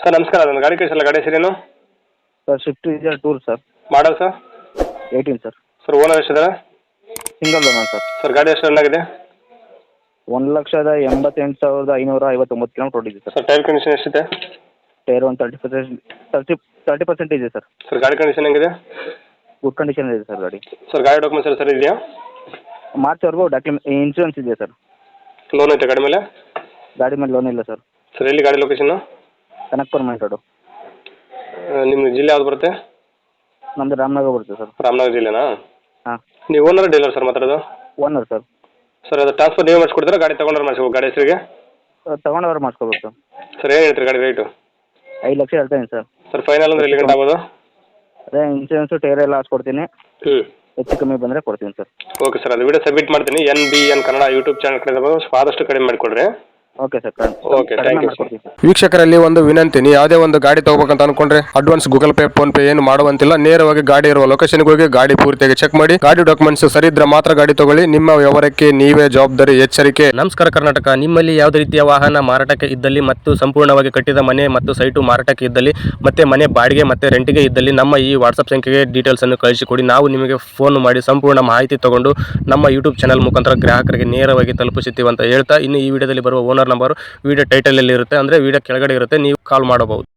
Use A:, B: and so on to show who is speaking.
A: Sir ನಮಸ್ಕಾರ, ಅದೊಂದು ಗಾಡಿ ಕಳಿಸಲ್ಲ, ಗಾಡಿ ಹೆಸರೇನು?
B: Sir Swift Dzire tour sir.
A: Model sir?
B: 18 sir.
A: Sir owner ಎಷ್ಟಿದ್ದಾರೆ?
B: Single owner sir.
A: ಸರ್ ಗಾಡಿ ಎಷ್ಟು ರನ್ ಆಗಿದೆ?
B: 1,88,559 ಕಿಲೋಮೀಟರ್ ಓಡಿದೆ ಸರ್.
A: ಸರ್ ಟೈರ್ ಕಂಡೀಷನ್ ಎಷ್ಟಿದೆ?
B: ಟೈರ್ ಒಂದು 30% ಇದೆ ಸರ್.
A: ಸರ್ ಗಾಡಿ ಕಂಡೀಷನ್ ಹೆಂಗಿದೆ?
B: ಗುಡ್ ಕಂಡೀಷನ್ ಇದೆ ಸರ್ ಗಾಡಿ.
A: ಸರ್ ಗಾಡಿ ಡಾಕ್ಯುಮೆಂಟ್ಸ್ ಸರ್ ಇದೆಯಾ?
B: ಮಾರ್ಚ್ವರೆಗೂ ಇನ್ಶೂರೆನ್ಸ್ ಇದೆ ಸರ್.
A: ಲೋನ್ ಐತೆ ಗಾಡಿ ಮೇಲೆ?
B: ಗಾಡಿ ಮೇಲೆ ಲೋನ್ ಇಲ್ಲ ಸರ್.
A: ಸರ್ ಎಲ್ಲಿ ಗಾಡಿ ಲೊಕೇಶನ್?
B: Kanakapura main road.
A: ನಿಮ್ಮ ಜಿಲ್ಲೆ ಯಾವ್ದು ಬರುತ್ತೆ?
B: ನಮ್ಮದು ರಾಮನಗರ ಬರುತ್ತೆ ಸರ್.
A: ರಾಮನಗರ ಜಿಲ್ಲೆನಾ?
B: ಹಾಂ.
A: ನೀವು ಓನರ್ ಡೀಲರ್ ಸರ್ ಮಾತಾಡೋದು?
B: Owner sir.
A: ಸರ್ ಅದು ಟ್ರಾನ್ಸ್ಫರ್ ನೀವು ಮಾಡಿಸ್ಕೊಡ್ತೀರಾ, ಗಾಡಿ ತೊಗೊಂಡ್ರೆ ಮಾಡಿಸ್ಬೇಕು ಗಾಡಿ ಹೆಸರಿಗೆ?
B: ತೊಗೊಂಡವ್ರು ಮಾಡಿಸ್ಕೋಬೇಕು ಸರ್.
A: ಸರ್ ಏನು ಹೇಳ್ತೀರಿ ಗಾಡಿ ರೇಟು?
B: 5 ಲಕ್ಷ ಹೇಳ್ತೀನಿ ಸರ್.
A: ಸರ್ ಫೈನಲ್ ಅಂದ್ರೆ ಎಲ್ಲಿ ಗಂಟೆ ಆಗೋದು?
B: ಅದೇ ಇನ್ಶೂರೆನ್ಸು ಟೈರ್ ಎಲ್ಲ ಹಾಕ್ಸ್ಕೊಡ್ತೀನಿ.
A: ಹ್ಞೂ.
B: ಹೆಚ್ಚು ಕಮ್ಮಿ ಬಂದರೆ ಕೊಡ್ತೀನಿ ಸರ್.
A: ಓಕೆ ಸರ್, ಅದು ವಿಡಿಯೋ ಸಬ್ಮಿಟ್ ಮಾಡ್ತೀನಿ. NBN ಕನ್ನಡ ಯೂಟ್ಯೂಬ್ ಚಾನಲ್ ಕಡೆ ಆದಷ್ಟು ಕಡಿಮೆ ಮಾಡಿಕೊಡ್ರಿ.
B: Okay sir.
A: Okay, thank you sir.
C: ವೀಕ್ಷಕರಲ್ಲಿ ಒಂದು ವಿನಂತಿ, ನೀವು ಯಾವುದೇ ಒಂದು ಗಾಡಿ ತಗೋಬೇಕಂತ ಅನ್ಕೊಂಡ್ರೆ advance Google Pay PhonePe ಏನು ಮಾಡುವಂತಿಲ್ಲ. ನೇರವಾಗಿ ಗಾಡಿ ಇರುವ ಲೊಕೇಶನ್ಗೆ ಹೋಗಿ ಗಾಡಿ ಪೂರ್ತಿಯಾಗಿ ಚೆಕ್ ಮಾಡಿ, ಗಾಡಿ ಡಾಕ್ಯುಮೆಂಟ್ಸ್ ಸರಿ ಇದ್ರೆ ಮಾತ್ರ ಗಾಡಿ ತಗೊಳ್ಳಿ. ನಿಮ್ಮ ವ್ಯವಹಾರಕ್ಕೆ ನೀವೇ ಜವಾಬ್ದಾರಿ. ಎಚ್ಚರಿಕೆ.
D: ನಮಸ್ಕಾರ ಕರ್ನಾಟಕ. ನಿಮ್ಮಲ್ಲಿ ಯಾವುದೇ ರೀತಿಯ ವಾಹನ ಮಾರಾಟಕ್ಕೆ ಇದ್ದಲ್ಲಿ ಮತ್ತು ಸಂಪೂರ್ಣವಾಗಿ ಕಟ್ಟಿದ ಮನೆ ಮತ್ತು ಸೈಟು ಮಾರಾಟಕ್ಕೆ ಇದ್ದಲ್ಲಿ ಮತ್ತೆ ಮನೆ ಬಾಡಿಗೆ ಮತ್ತು ರೆಂಟಿಗೆ ಇದ್ದಲ್ಲಿ ನಮ್ಮ ಈ ವಾಟ್ಸಪ್ ಸಂಖ್ಯೆಗೆ ಡೀಟೇಲ್ಸ್ ಅನ್ನು ಕಳಿಸಿಕೊಡಿ. ನಾವು ನಿಮಗೆ ಫೋನ್ ಮಾಡಿ ಸಂಪೂರ್ಣ ಮಾಹಿತಿ ತಗೊಂಡು ನಮ್ಮ ಯೂಟ್ಯೂಬ್ ಚಾನಲ್ ಮುಖಾಂತರ ಗ್ರಾಹಕರಿಗೆ ನೇರವಾಗಿ ತಲುಪಿಸುತ್ತೀವಿ ಅಂತ ಹೇಳ್ತಾ, ಇನ್ನು ಈ ವಿಡಿಯೋದಲ್ಲಿ ಬರುವ ಓನರ್ ನಂಬರ್ ವಿಡಿಯೋ ಟೈಟಲ್ ಅಲ್ಲಿ ಇರುತ್ತೆ, ಅಂದ್ರೆ ವಿಡಿಯೋ ಕೆಳಗಡೆ ಇರುತ್ತೆ, ನೀವು ಕಾಲ್ ಮಾಡಬಹುದು.